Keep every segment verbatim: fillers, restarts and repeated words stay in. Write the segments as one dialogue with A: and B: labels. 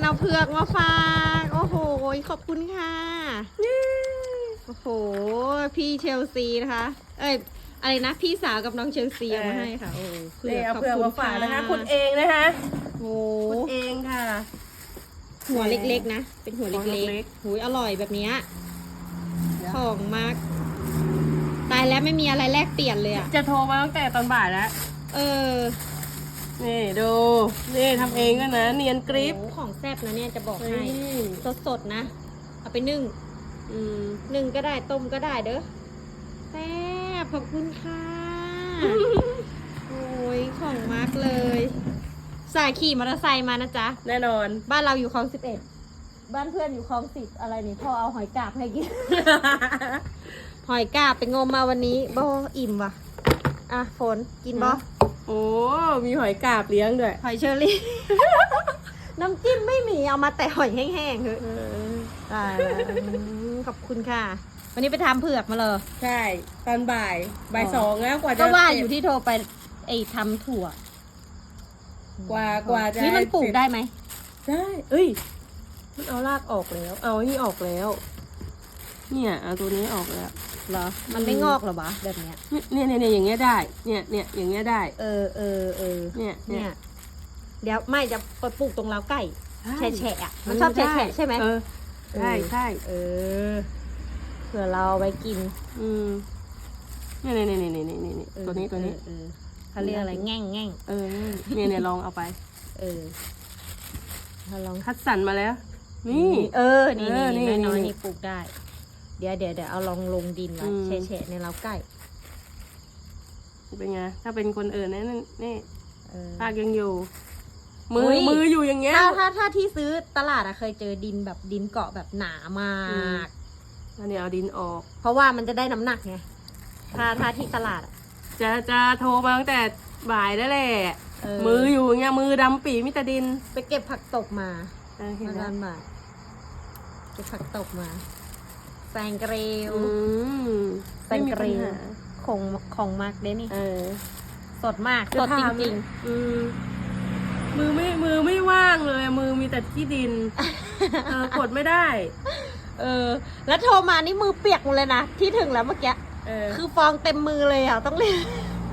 A: เอาเผือกมาฝากโอ้โหขอบคุณค่ะโอ้โหพี่เชลซีนะคะเอ้ยอะไรนะพี่สาวกับน้องเชลซีเอามาให้ค่ะโอ้เผือกเอาเผือกมาฝากนะคะ
B: คุณเองนะคะ
A: โอ้
B: คุณเองค่ะ
A: หัวเล็กๆนะเป็นหัวเล็กๆหูยอร่อยแบบนี้ของมากตายแล้วไม่มีอะไรแลกเปลี่ยนเลยอ่ะ
B: จะโทรมาตั้งแต่ตอนบ่ายแล้ว
A: เออ
B: นี่ดูนี่ทำเองก็นะเนียนกริป
A: ของแซ่บนะเนี่ยจะบอกให้สดๆนะเอาไปนึ่งอืมนึ่งก็ได้ต้มก็ได้เด้อแซ่บขอบคุณค่ะโอ้ยของมากเลยสายขี่มอเตอร์ไซค์มานะจ๊ะ
B: แน่นอน
A: บ้านเราอยู่คลองสิบเอ็ดบ้านเพื่อนอยู่คลองสิบอะไรนี่พ่อเอาหอยกาบให้กิน หอยกาบไปงมมาวันนี้บ่อิ่มว่ะอ่ะฝนกินบ่
B: โอ้มีหอยกาบเลี้ยงด้วย
A: หอยเชอรี่ น้ำจิ้มไม่มีเอามาแต่หอยแห้งๆคือตายแล้วขอบคุณค่ะวันนี้ไปทำเผือกมาเลย
B: ใช่ตอนบ่ายบ่ายสองแล้วกว่าจะ
A: ก็ว่าอยู่ที่โทรไปไอ้ทำถั่ว
B: กว่ากว่าจะ
A: นี่มันปลูกได้ไหม
B: ได้เอ้ยมันเอารากออกแล้วเอานี่ออกแล้วเนี่ยเอาตัวนี้ออกแล้ว
A: เหรอมันไม่งอกหรอวะแบบเนี้ย
B: เนี่ยเนี่ยเนี่ยอย่างเงี้ยได้เนี่ยเนี่ยอย่างเงี้ยได้
A: เออเออเออ
B: เนี่ยเนี่ย
A: เดี๋ยวไม่จะไปปลูกตรงเล้าไก่แฉะแฉะมันชอบแฉะแฉะใช่ไหม
B: เออใช่ใช่
A: เออเผื่อเราไว้กิน
B: อืมเนี่ยเนี่ยเนี่ยเนี่ยเนี่ยเนี่ยตัวนี้ตัวนี้
A: เขาเรียกอะไรแง่งแง่ง
B: เออเนี่ยเนี่ยลองเอาไป
A: เออเราลอง
B: คัดสรรมาแล้วนี่
A: เออนี่นี่น้อยนี่ปลูกได้เดี๋ยวเดี๋ยวเดี๋ยวเอาลองลงดินไว้แฉะๆในเล้าไก่
B: เป็นไงถ้าเป็นคนอื่นนี่นี่ภาคยังอยู่มือมืออยู่อย่างเงี้ย
A: ถ้าถ้าถ้าที่ซื้อตลาดอะเคยเจอดินแบบดินเกาะแบบหนามาก
B: อันนี้เอาดินออก
A: เพราะว่ามันจะได้น้ำหนักไงถ้าถ้าที่ตลาด
B: จะจะโทรมาตั้งแต่บ่ายได้แหละมืออยู่อย่างเงี้ยมือดำปีมิตรดิน
A: ไปเก็บผักตบมามาดันมาเก็บผักตบมาแซงเกลียวแซงเกลียวของของมากเด้นี่สดมากสดจริงๆ
B: มือไม่มือไม่ว่างเลยมือมีแต่ที่ดินกดไม่ได้
A: เออแล้วโทรมานี่มือเปียกหมดเลยนะที่ถึงแล้วเมื่อกี้คือฟองเต็มมือเลยอ่ะต้องเรียน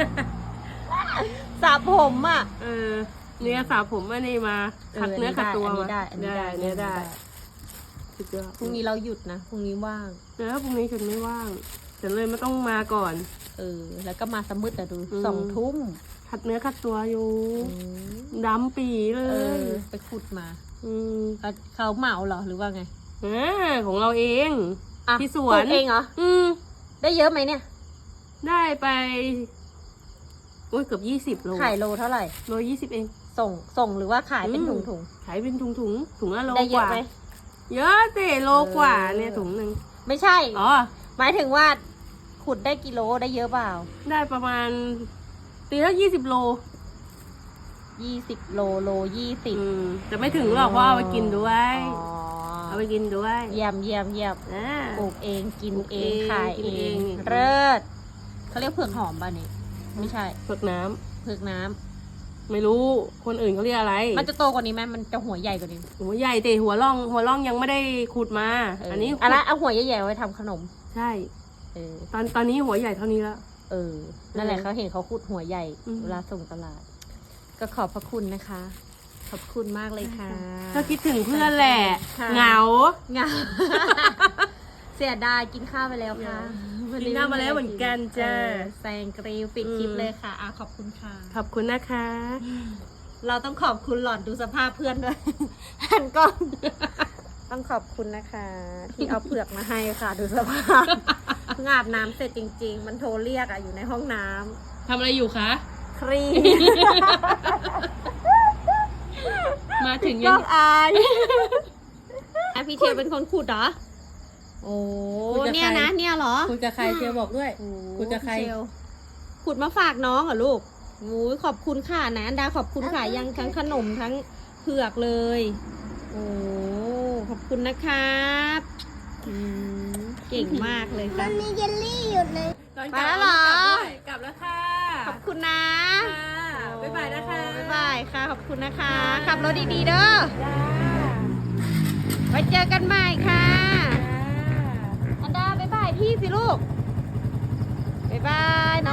A: สระผมอ่ะ
B: เออเนี่ยสระผมอันนี้มาขัดเนื้อขัดตัวมา
A: ได้ได้
B: เนี่ยได้
A: พรุ่งนี้เราหยุดนะพรุ่งนี้ว่าง
B: เออพรุ่งนี้ฉันไม่ว่างฉันเลยไม่ต้องมาก่อน
A: เออแล้วก็มาสมืดแต่ดูสองทุ่ม
B: ขัดเนื้อขัดตัวอยู่ดำปีเลย
A: ไปขุดมาเขาเหมาเหรอหรือว่าไง
B: อ่าของเราเองที่สวน
A: เองเหรออืมได้เยอะไหมเนี่ย
B: ได้ไปโอ้ยเกือบยี่สิบโล
A: ขายโลเท่าไหร่
B: โลยี่สิบเอง
A: ส่งส่งหรือว่าขายเป็นถุงถุง
B: ขายเป็นถุงถุงถุงละโล
A: กว่า
B: เยอะเตะโลกว่าเนี่ยถุงหนึ่ง
A: ไม่ใช่อ๋อหมายถึงว่าขุดได้กิโลได้เยอะเปล่า
B: ได้ประมาณตีละยี่สิบโล
A: ยี่สิบโลโลยี่สิบ
B: จะไม่ถึงหรอกเพราะเอาไปกินด้วยเอาไปกินด้วย
A: เยี่ยมเยี่ยมเยี่ยมปลูกเองกินเองขายเองเลิศเขาเรียกเผือกหอมป่ะนี่ไม่ใช่
B: เผือกน้ำ
A: เผือกน้ำ
B: ไม่รู้คนอื่นเขาเรียกอะไร
A: มันจะโตกว่านี้ไหมมันจะหัวใหญ่กว่านี้
B: หัวใหญ่แต่หัวร่องหัวร่องยังไม่ได้ขุดมาอันนี้
A: อะไรเอาหัวใหญ่ๆไว้ทำขนม
B: ใช่เออตอนตอนนี้หัวใหญ่เท่านี้แล้ว
A: เออนั่นแหละเขาเห็นเขาขุดหัวใหญ่เวลาส่งตลาดก็ขอบพระคุณนะคะขอบคุณมากเลยค่ะ
B: ก็คิดถึงเพื่อนแหละเหงา
A: เหงาเสียดายกินข้าวไปแล้วค่ะ
B: กินข้าวมาแล้วเหมือนกันจ้า
A: แซงกรีวปิดคลิปเลยค่ะอ่ะขอบคุณค่ะ
B: ขอบคุณนะคะ
A: เราต้องขอบคุณหล่อนดูสภาพเพื่อนด้วยหันก้อนต้องขอบคุณนะคะที่เอาเผือกมาให้ค่ะดูสภาพเพิ่งอาบน้ำเสร็จจริงๆมันโทรเรียกอ่ะอยู่ในห้องน้
B: ำทำอะไรอยู่คะ
A: ครี
B: มาถึงยัง
A: อายพี่เทียวเป็นคนขุดเหรอโอ้เนี่ยนะเนี่ยเหรอ
B: ขุดกับใครเทียวบอกด้วยขุดกับใคร
A: ขุดมาฝากน้องเหรอลูกโอ้ขอบคุณค่ะนะอันดาขอบคุณค่ะยังทั้งขนมทั้งเผือกเลยโอ้ขอบคุณนะครับเก่งมากเลยค่ะ
C: มันมีเยลลี่อยู่เลย
A: ไปแล้วเหร
B: อกลับแล้วค่ะ
A: ขอบคุณนะ
B: บ๊ายบายนะคะ
A: บ๊ายบายค่ะขอบคุณนะคะขับรถดีๆเด้อไว้เจอกันใหม่ค่ะ อันดาบ๊ายบายพี่สิลูกบ๊ายบายน้อง